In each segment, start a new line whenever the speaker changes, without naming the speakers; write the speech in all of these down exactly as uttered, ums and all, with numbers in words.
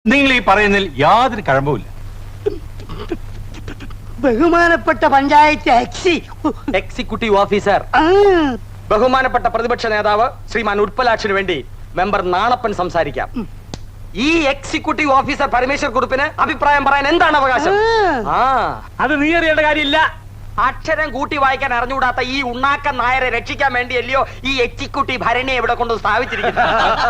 നിങ്ങൾ ഈ പറയുന്നതിൽ യാതൊരു കഴമ്പുമില്ല.
ബഹുമാനപ്പെട്ട പഞ്ചായത്ത് എക്സി
എക്സിക്യൂട്ടീവ് ഓഫീസർ, ബഹുമാനപ്പെട്ട പ്രതിപക്ഷ നേതാവ് ശ്രീമാൻ ഉത്പലാക്ഷിന് വേണ്ടി മെമ്പർ നാണപ്പൻ സംസാരിക്കാം. ഈ എക്സിക്യൂട്ടീവ് ഓഫീസർ പരമേശ്വർ കുറുപ്പിന് അഭിപ്രായം പറയാൻ എന്താണ് അവകാശം? ആ
അത് നീ അറിയേണ്ട കാര്യമില്ല.
അക്ഷരം കൂട്ടി വായിക്കാൻ അറിഞ്ഞുകൂടാത്ത ഈ ഉണ്ണാക്കൻ നായരെ രക്ഷിക്കാൻ വേണ്ടിയല്ലയോ ഈ എക്സിക്യൂട്ടീവ് ഭരണി എവിടെ കൊണ്ട് സ്ഥാപിച്ചിരിക്കുന്നത്?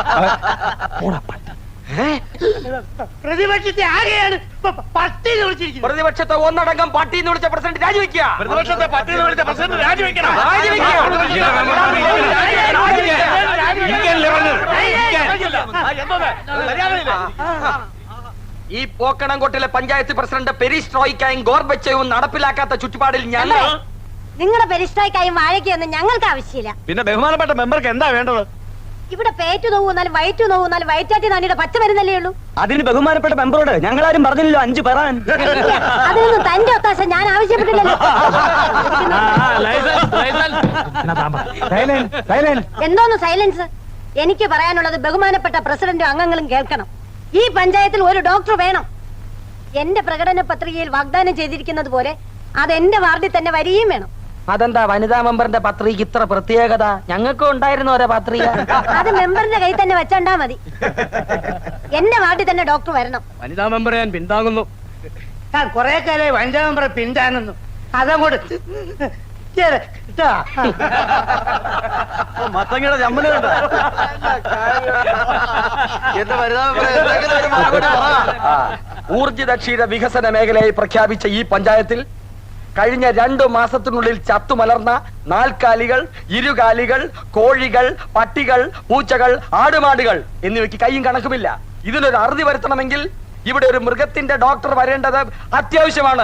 പ്രതിപക്ഷത്തെ ആകെയാണ് പട്ടി വിളിച്ചിരിക്കുന്നത്.
പ്രതിപക്ഷത്തെ ഒന്നടങ്കം പട്ടി എന്ന് വിളിച്ച പ്രസിഡന്റ് രാജിവെക്കുക.
പ്രതിപക്ഷത്തെ പട്ടി എന്ന് വിളിച്ച പ്രസിഡന്റ് രാജിവെക്കണം. ഈ
പോക്കണംകോട്ടിലെ പഞ്ചായത്ത് പ്രസിഡന്റ് പെരിസ്ട്രോയിക്കായും ഗോർബച്ചയും നടപ്പിലാക്കാത്ത ചുറ്റുപാടിൽ ഞങ്ങൾ
നിങ്ങളുടെ പെരിസ്ട്രോയിക്കായും വാഴയ്ക്കൊന്നും ഞങ്ങൾക്ക് ആവശ്യമില്ല.
പിന്നെ ബഹുമാനപ്പെട്ട മെമ്പർക്ക് എന്താ വേണ്ടത്?
ഇവിടെ പേറ്റു നോവുന്നാലും വയറ്റു നോവുന്നാലും വയറ്റാറ്റി നാണിയുടെ പച്ച മരുന്നല്ലേ ഉള്ളൂ.
അതിന് ബഹുമാനപ്പെട്ട മെമ്പറോട് ഞങ്ങളാരും പറഞ്ഞില്ലല്ലോ അഞ്ചു പറയാൻ.
അതിനൊന്നും തന്റെ ഒത്താശ ഞാൻ ആവശ്യപ്പെട്ടില്ലല്ലോ. എന്തോന്ന് സൈലൻസ്? എനിക്ക് പറയാനുള്ളത് ബഹുമാനപ്പെട്ട പ്രസിഡന്റും അംഗങ്ങളും കേൾക്കണം. ഈ പഞ്ചായത്തിൽ ഒരു ഡോക്ടർ വേണം. എന്റെ പ്രകടന പത്രികയിൽ വാഗ്ദാനം ചെയ്തിരിക്കുന്നത് പോലെ അത് എന്റെ വാർഡിൽ തന്നെ വരികയും വേണം.
അതെന്താ വനിതാ മെമ്പറിന്റെ പത്രിക ഇത്ര പ്രത്യേകത? ഞങ്ങൾക്കും ഉണ്ടായിരുന്നു ഓരോ പത്രിക.
അത് മെമ്പറിന്റെ കയ്യിൽ തന്നെ വെച്ചോണ്ടാ മതി. എന്റെ വാർഡിൽ തന്നെ ഡോക്ടർ വരണം.
വനിതാ മെമ്പറെ ഞാൻ പിന്താങ്ങുന്നു.
ഞാൻ കൊറേ കാലം വനിതാ മെമ്പറെ പിന്താങ്ങുന്നു. അതങ്ങോട്ട്
മത്തങ്ങയുടെ ചമ്മല്
ഊർജിത ക്ഷീര വികസന മേഖലയായി പ്രഖ്യാപിച്ച ഈ പഞ്ചായത്തിൽ കഴിഞ്ഞ രണ്ടു മാസത്തിനുള്ളിൽ ചത്തുമലർന്ന നാൽക്കാലികൾ, ഇരുകാലികൾ, കോഴികൾ, പട്ടികൾ, പൂച്ചകൾ, ആടുമാടുകൾ എന്നിവയ്ക്ക് കൈയും കണക്കുമില്ല. ഇതിനൊരു അറുതി വരുത്തണമെങ്കിൽ ഇവിടെ ഒരു മൃഗത്തിന്റെ ഡോക്ടർ വരേണ്ടത് അത്യാവശ്യമാണ്.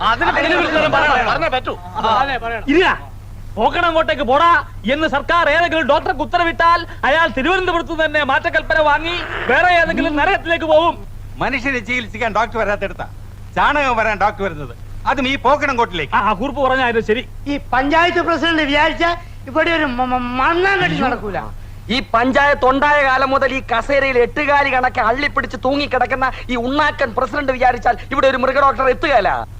പോക്കണംകോട്ടേക്ക് പോടാ എന്ന് സർക്കാർ ഏതെങ്കിലും ഡോക്ടർക്ക് ഉത്തരവിട്ടാൽ അയാൾ തിരുവനന്തപുരത്ത് തന്നെ മാറ്റക്കൽപ്പന വാങ്ങി വേറെ ഏതെങ്കിലും നരകത്തിലേക്ക് പോകും.
മനുഷ്യനെ ചികിത്സിക്കാൻ ഡോക്ടർ വരാത്തെടുത്ത ചാണകം വരാൻ ഡോക്ടർ വരുന്നത്, അതും ഈ പോക്കണംകോട്ടിലേക്ക്.
ആ കുറിപ്പ് പറഞ്ഞായിരുന്നു ശരി.
ഈ പഞ്ചായത്ത് പ്രസിഡന്റ് വിചാരിച്ച ഇവിടെ ഒരു മണ്ണാൻ കെട്ടി നടക്കൂല.
ഈ പഞ്ചായത്ത് ഉണ്ടായ കാലം മുതൽ ഈ കസേരയിൽ എട്ടുകാലി കണക്കെ അള്ളിപ്പിടിച്ച് തൂങ്ങിക്കിടക്കുന്ന ഈ ഉണ്ണാക്കൻ പ്രസിഡന്റ് വിചാരിച്ചാൽ ഇവിടെ ഒരു മൃഗ ഡോക്ടർ എത്തുകയല്ല.